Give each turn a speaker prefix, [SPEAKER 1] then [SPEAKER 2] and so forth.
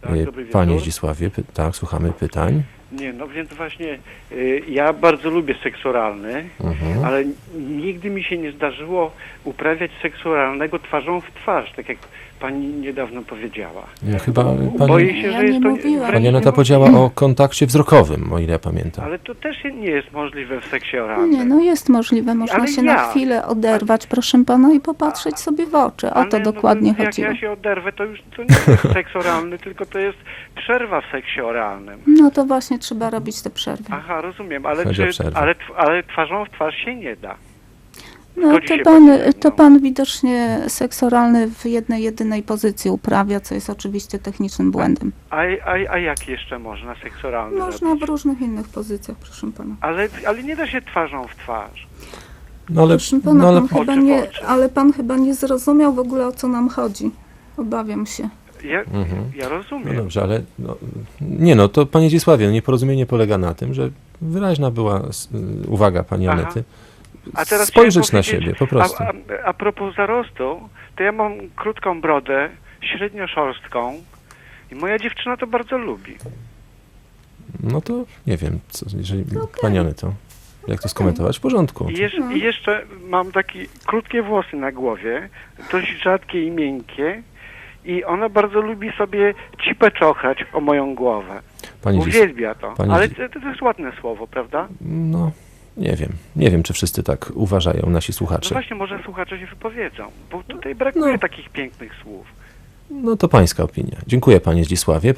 [SPEAKER 1] Tak, dobry wieczór.
[SPEAKER 2] Panie Zdzisławie, tak, słuchamy pytań.
[SPEAKER 1] Nie, no więc właśnie ja bardzo lubię seks oralny, ale nigdy mi się nie zdarzyło uprawiać seksu oralnego twarzą w twarz, tak jak pani niedawno powiedziała.
[SPEAKER 2] Ja chyba
[SPEAKER 1] Boję się,
[SPEAKER 3] Ja
[SPEAKER 1] że jest
[SPEAKER 3] nie
[SPEAKER 1] to
[SPEAKER 3] mówiłam.
[SPEAKER 1] wręcz
[SPEAKER 2] pani Aneta
[SPEAKER 1] niemożliwe.
[SPEAKER 2] powiedziała o kontakcie wzrokowym, o ile ja pamiętam.
[SPEAKER 1] Ale to też nie jest możliwe w seksie oralnym.
[SPEAKER 3] Nie, no jest możliwe, można
[SPEAKER 1] Ale
[SPEAKER 3] się
[SPEAKER 1] ja.
[SPEAKER 3] na chwilę oderwać, proszę pana, i popatrzeć sobie w oczy. O to
[SPEAKER 1] Ale
[SPEAKER 3] dokładnie
[SPEAKER 1] jak
[SPEAKER 3] chodziło.
[SPEAKER 1] ja się oderwę, to już to nie jest seks oralny, tylko to jest przerwa w seksie oralnym.
[SPEAKER 3] No to właśnie trzeba robić te przerwy.
[SPEAKER 1] Aha, rozumiem,
[SPEAKER 2] Chodzi o przerwę.
[SPEAKER 1] ale twarzą w twarz się nie da.
[SPEAKER 3] No
[SPEAKER 1] Zgodzi się
[SPEAKER 3] to
[SPEAKER 1] pani ze mną.
[SPEAKER 3] to pan widocznie seks oralny w jednej, jedynej pozycji uprawia, co jest oczywiście technicznym błędem.
[SPEAKER 1] A jak jeszcze można seks oralny
[SPEAKER 3] Można
[SPEAKER 1] robić?
[SPEAKER 3] w różnych innych pozycjach, proszę pana.
[SPEAKER 1] Ale nie da się twarzą w twarz.
[SPEAKER 2] No ale,
[SPEAKER 3] Proszę pana,
[SPEAKER 2] no, ale
[SPEAKER 3] pan chyba
[SPEAKER 1] Oczy w
[SPEAKER 3] nie,
[SPEAKER 1] oczy.
[SPEAKER 3] ale pan chyba nie zrozumiał w ogóle, o co nam chodzi. Obawiam się.
[SPEAKER 1] Ja
[SPEAKER 2] no
[SPEAKER 1] rozumiem.
[SPEAKER 2] dobrze, ale nie no, to panie Zdzisławie, no, nieporozumienie polega na tym, że wyraźna była uwaga pani
[SPEAKER 1] Aha.
[SPEAKER 2] Anety.
[SPEAKER 1] A teraz
[SPEAKER 2] Spojrzeć
[SPEAKER 1] chciałem
[SPEAKER 2] na
[SPEAKER 1] powiedzieć,
[SPEAKER 2] siebie, po prostu.
[SPEAKER 1] A propos zarostu, to ja mam krótką brodę, średnio szorstką i moja dziewczyna to bardzo lubi.
[SPEAKER 2] No to nie wiem, co, jeżeli pani Aneto, jak to skomentować? W porządku.
[SPEAKER 1] I jeszcze mam takie krótkie włosy na głowie, dość rzadkie i miękkie i ona bardzo lubi sobie cipę czochrać o moją głowę. Uwielbia to. Ale to jest ładne słowo, prawda?
[SPEAKER 2] No, nie wiem, czy wszyscy tak uważają, nasi
[SPEAKER 1] No
[SPEAKER 2] słuchacze.
[SPEAKER 1] właśnie, może słuchacze się wypowiedzą, bo tutaj brakuje
[SPEAKER 2] No.
[SPEAKER 1] takich pięknych słów.
[SPEAKER 2] No to pańska opinia. Dziękuję panie Zdzisławie.